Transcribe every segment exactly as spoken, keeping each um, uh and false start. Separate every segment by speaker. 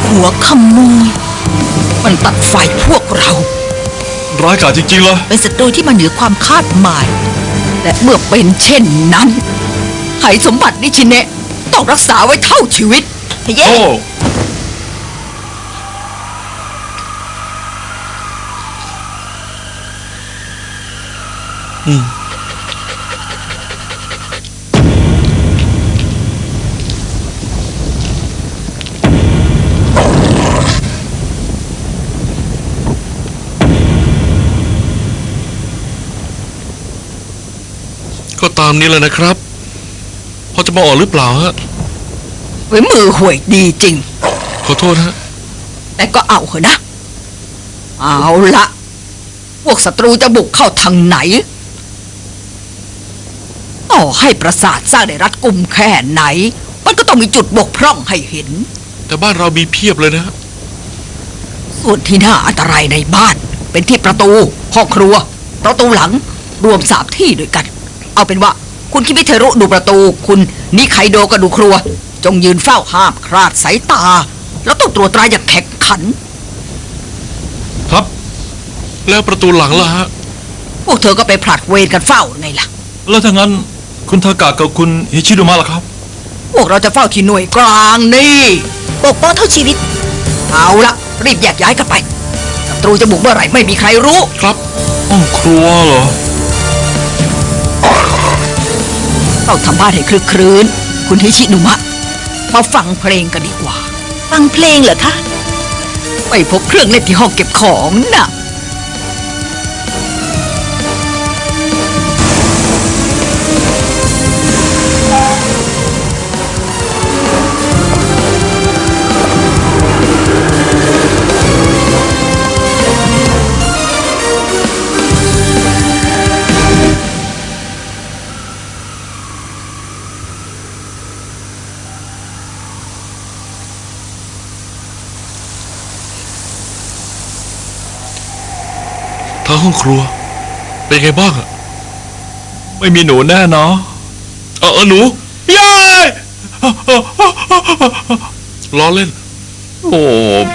Speaker 1: หัวขโมยมันตัดไฟพวกเรา
Speaker 2: ร้ายกาจจริงๆเลย
Speaker 1: เป็นศัตรูที่มาเหนือความคาดหมายและเมื่อเป็นเช่นนั้นไหสมบัตินิชิเนะต้องรักษาไว้เท่าชีวิตเย้
Speaker 2: อืมก็ตามนี้เลยนะครับพอจะมาออกหรือเปล่าฮะ
Speaker 1: เว้ยมือห่วยดีจริง
Speaker 2: ขอโทษฮะ
Speaker 1: แต่ก็เอาเหอะนะเอาละพวกศัตรูจะบุกเข้าทางไหนต่อให้ปราสาทสร้างได้รัดกุมแค่ไหนมันก็ต้องมีจุดบกพร่องให้เห็น
Speaker 2: แต่บ้านเรามีเพียบเลยนะ
Speaker 1: ส่วนที่น่าอันตรายในบ้านเป็นที่ประตูห้องครัวประตูหลังรวมสามที่ด้วยกันเอาเป็นว่าคุณคิมิเทรุดูประตูคุณนิไคโดก็ดูครัวจงยืนเฝ้าห้ามคลาดสายตาแล้วต้องตรวจตราอย่างแข็งขัน
Speaker 2: ครับแล้วประตูหลังล่ะฮะ
Speaker 1: พวกเธอก็ไปผลัดเวรกันเฝ้าไงล่ะ
Speaker 2: แล้วถ้างั้นคุณทากะกับคุณฮิชิโดมะล่ะครับ
Speaker 1: พวกเราจะเฝ้าที่หน่วยกลางนี่ปกป้องเท่าชีวิตเอาละรีบแยกย้ายกันไปศัตรูจะบุกเมื่อไหร่ไม่มีใครรู้
Speaker 2: ครับห้องครัวเหรอ
Speaker 1: ต้องทำบ้านให้คลึกครื้นคุณฮิชิโดมะมาฟังเพลงกันดีกว่าฟังเพลงเหรอคะไปพบเครื่องเล่นที่ห้องเก็บของน่ะ
Speaker 2: ทางห้องครัวเป็นไงบ้างอะไม่มีหนูแน่เนาะเออหนูยายล้อเล่นโอ้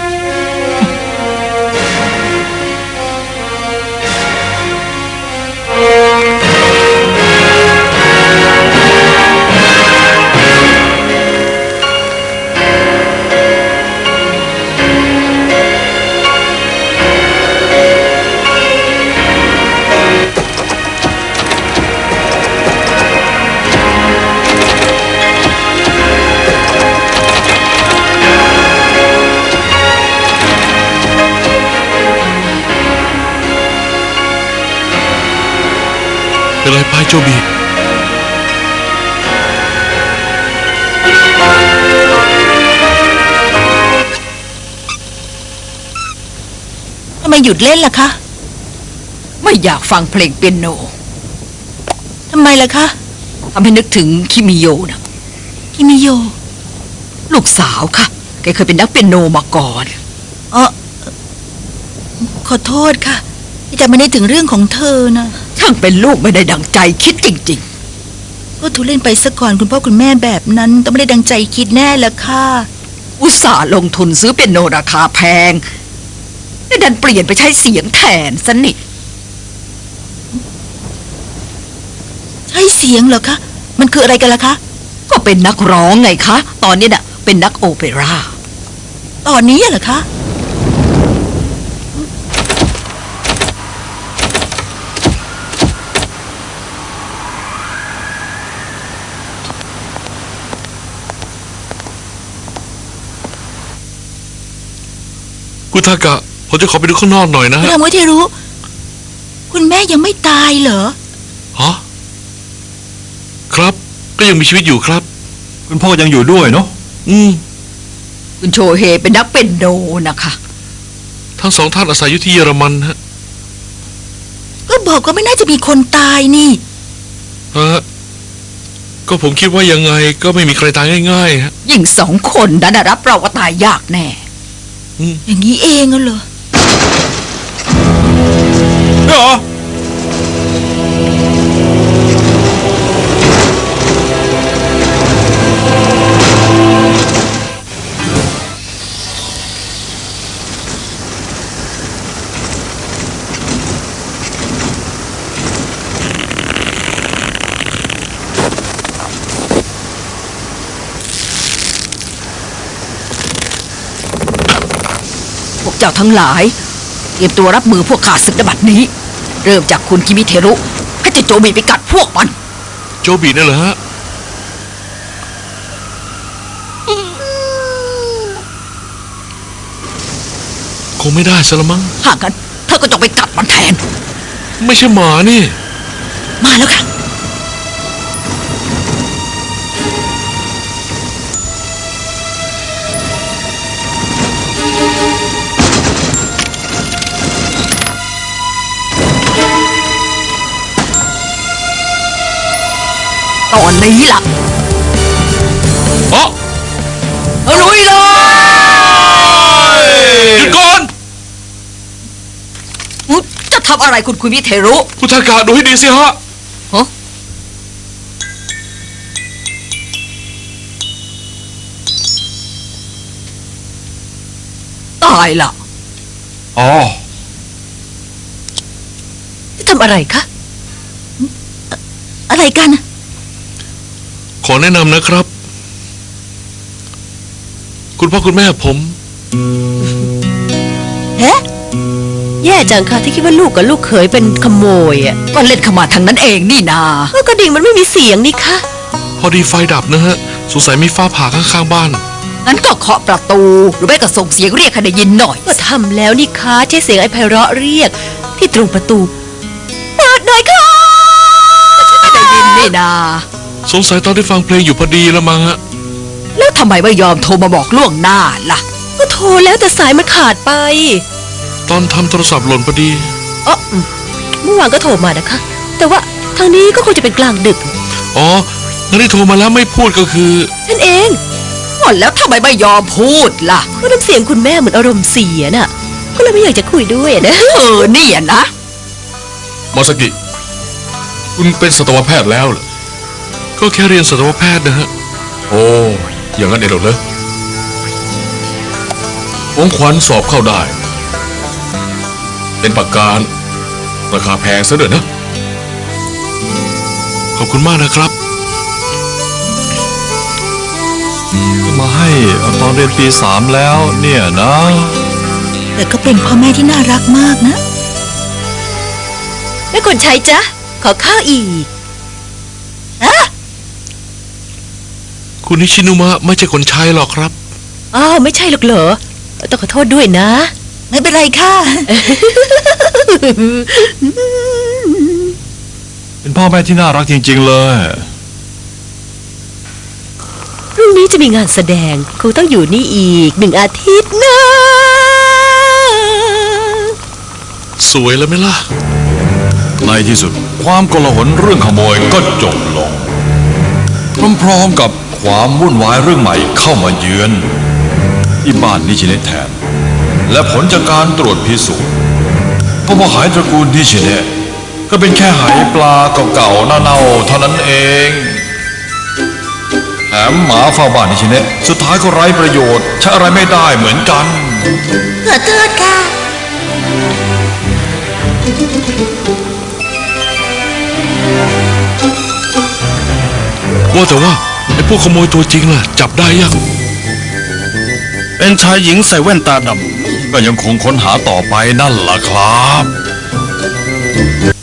Speaker 2: เป็นไรไปโจบี
Speaker 1: ทำไมหยุดเล่นล่ะคะไม่อยากฟังเพลงเปียโนทำไมล่ะคะทำให้นึกถึงคิมิโยนะคิมิโยลูกสาวค่ะแกเคยเป็นนักเปียโนมาก่อนเออขอโทษค่ะที่จะไม่ได้ถึงเรื่องของเธอนะช่างเป็นลูกไม่ได้ดังใจคิดจริงๆก็ทุเล่นไปซะก่อนคุณพ่อคุณแม่แบบนั้นต้องไม่ได้ดังใจคิดแน่ละค่ะอุตส่าห์ลงทุนซื้อเปียโนราคาแพงแต่ดันเปลี่ยนไปใช้เสียงแทนซะนี่ใช้เสียงเหรอคะมันคืออะไรกันล่ะคะก็เป็นนักร้องไงคะตอนนี้น่ะเป็นนักโอเปร่าตอนนี้เหรอคะ
Speaker 2: คุณทากะผมจะขอไปดูข้างนอกหน่อยนะฮะ
Speaker 1: ทำไว้ที่รู้คุณแม่ยังไม่ตายเหรอ
Speaker 2: ฮะครับก็ยังมีชีวิตอยู่ครับคุณพ่อยังอยู่ด้วยเนาะอืม
Speaker 1: คุณโชเฮเป็นนักเปียโนนะคะ
Speaker 2: ทั้งสองท่านอาศัยอยู่ที่เยอรมันฮะ
Speaker 1: ก็บอกว่าไม่น่าจะมีคนตายนี่
Speaker 2: ฮะก็ผมคิดว่ายังไงก็ไม่มีใครตายง่ายๆฮะ
Speaker 1: ยิ่งสองคนนั้นรับเราว่าตายยากแน่อย่างนี้เองเหรอ
Speaker 2: เหรอ
Speaker 1: พวกเจ้าทั้งหลาย เตรียมตัวรับมือพวกข้าศึกในบัดนี้ เริ่มจากคุณคิมิเทรุให้เจะโจบีไปกัดพวกมัน
Speaker 2: โจบีนั่นเหรอฮะคงไม่ได้ซะละมั้ง
Speaker 1: ถ้างั้นเธอก็จงไปกัดมันแทน
Speaker 2: ไม่ใช่หมานี่
Speaker 1: มาแล้วค่ะ ตอนนี้ล่ะ
Speaker 2: อ๋อ
Speaker 1: เอาลุยเลย
Speaker 2: หยุดก่อน
Speaker 1: อุ๊ยจะทำอะไรคุณคุมิเทรุ
Speaker 2: พุทธากาดูให้ดีสิฮะ
Speaker 1: ฮะตายล่ะ
Speaker 2: อ๋อ
Speaker 1: จะทำอะไรคะอะอะไรกัน
Speaker 2: ขอแนะนำนะครับ คุณพ่อคุณแม่ผม
Speaker 3: เฮ้แย่จังค่ะที่คิดว่าลูกกับลูกเขยเป็นขโมยอ่ะ
Speaker 1: ก็เล่นเข้ามาทางนั้นเองนี่นา
Speaker 3: เออกระดิ่งมันไม่มีเสียงนี่คะ
Speaker 2: พอดีไฟดับนะฮะ สงสัยมีฟ้าผ่าข้างๆบ้าน
Speaker 1: งั้นก็เคาะประตู หรือไม่ก็ส่งเสียงเรียกให้ได้ยินหน่อย
Speaker 3: ก็ทำแล้วนี่คะใช้เสียงไอ้ไพเราะเรียก ที่ตรงประตูเปิดหน่อยค่ะ
Speaker 1: ไม่ได้ยินนี่นา
Speaker 2: สงสัยตอนที่ฟังเพลงอยู่พอดีละมั้งฮะ
Speaker 1: แล้วทำไมไม่ยอมโทรมาบอกล่วงหน้าล่ะ
Speaker 3: ก็โทรแล้วแต่สายมันขาดไป
Speaker 2: ตอนทำโทรศัพท์หล่นพอดี
Speaker 3: เอออืมเมื่อวานก็โทรมานะคะ แต่ว่าทางนี้ก็คงจะเป็นกลางดึก
Speaker 2: อ๋องั้นที่โทรมาแล้วไม่พูดก็คือ
Speaker 3: นั่นเอง
Speaker 1: ก็แล้วทำไมไม่ยอมพูดล่ะ
Speaker 3: ก็น้ำเสียงคุณแม่เหมือนอารมณ์เสียน่ะ ก็เลยไม่อยากจะคุยด้วยนะ
Speaker 1: เออเนี่ยนะ
Speaker 2: มาสกิ คุณเป็นสัตวแพทย์แล้วเหรอ ก็แค่เรียนสัตวแพทย์นะฮะ โอ้ อย่างนั้นเองเหรอเลยของขวัญสอบเข้าได้ เป็นปากการาคาแพงซะด้วยนะ ขอบคุณมากนะครับ
Speaker 4: มาให้ตอนเรียนปีสามแล้วเนี่ยนะ
Speaker 1: แต่ก็เป็นพ่อแม่ที่น่ารักมากนะ
Speaker 3: แม่คนใช้จ๊ะ ขอข้าวอีก
Speaker 2: คุณนิชินุมะไม่ใช่คนใช้หรอกครับ
Speaker 3: อ้าวไม่ใช่หรอกเหรอ ต้องขอโทษด้วยนะ
Speaker 1: ไม่เป็นไรค่ะ
Speaker 4: เป็นพ่อแม่ที่น่ารักจริงๆเลย
Speaker 3: พรุ่งนี้จะมีงานแสดงครูต้องอยู่นี่อีกหนึ่งอาทิตย์นะ
Speaker 2: สวยแล้วไหมล่ะ
Speaker 4: ในที่สุดความโกลาหลเรื่องขโมยก็จบลง พร้อมๆกับความวุ่นวายเรื่องใหม่เข้ามาเยือน ที่บ้านนิชิเนะแทน และผลจากการตรวจพิสูจน์พบว่าหายตระกูลนิชิเนะก็เป็นแค่หายปลาเก่าๆเน่าๆเท่านั้นเองแถมหมาเฝ้าบ้านนิชิเนะสุดท้ายก็ไร้ประโยชน์ใช้อะไรไม่ได้เหมือนกัน
Speaker 1: ขอโทษค่ะ
Speaker 2: ว่าแต่ว่าไอ้พวกขโมยตัวจริงล่ะ จับได้ยัง
Speaker 4: เป็นชายหญิงใส่แว่นตาดำก็ยังคงค้นหาต่อไปนั่นล่ะครับ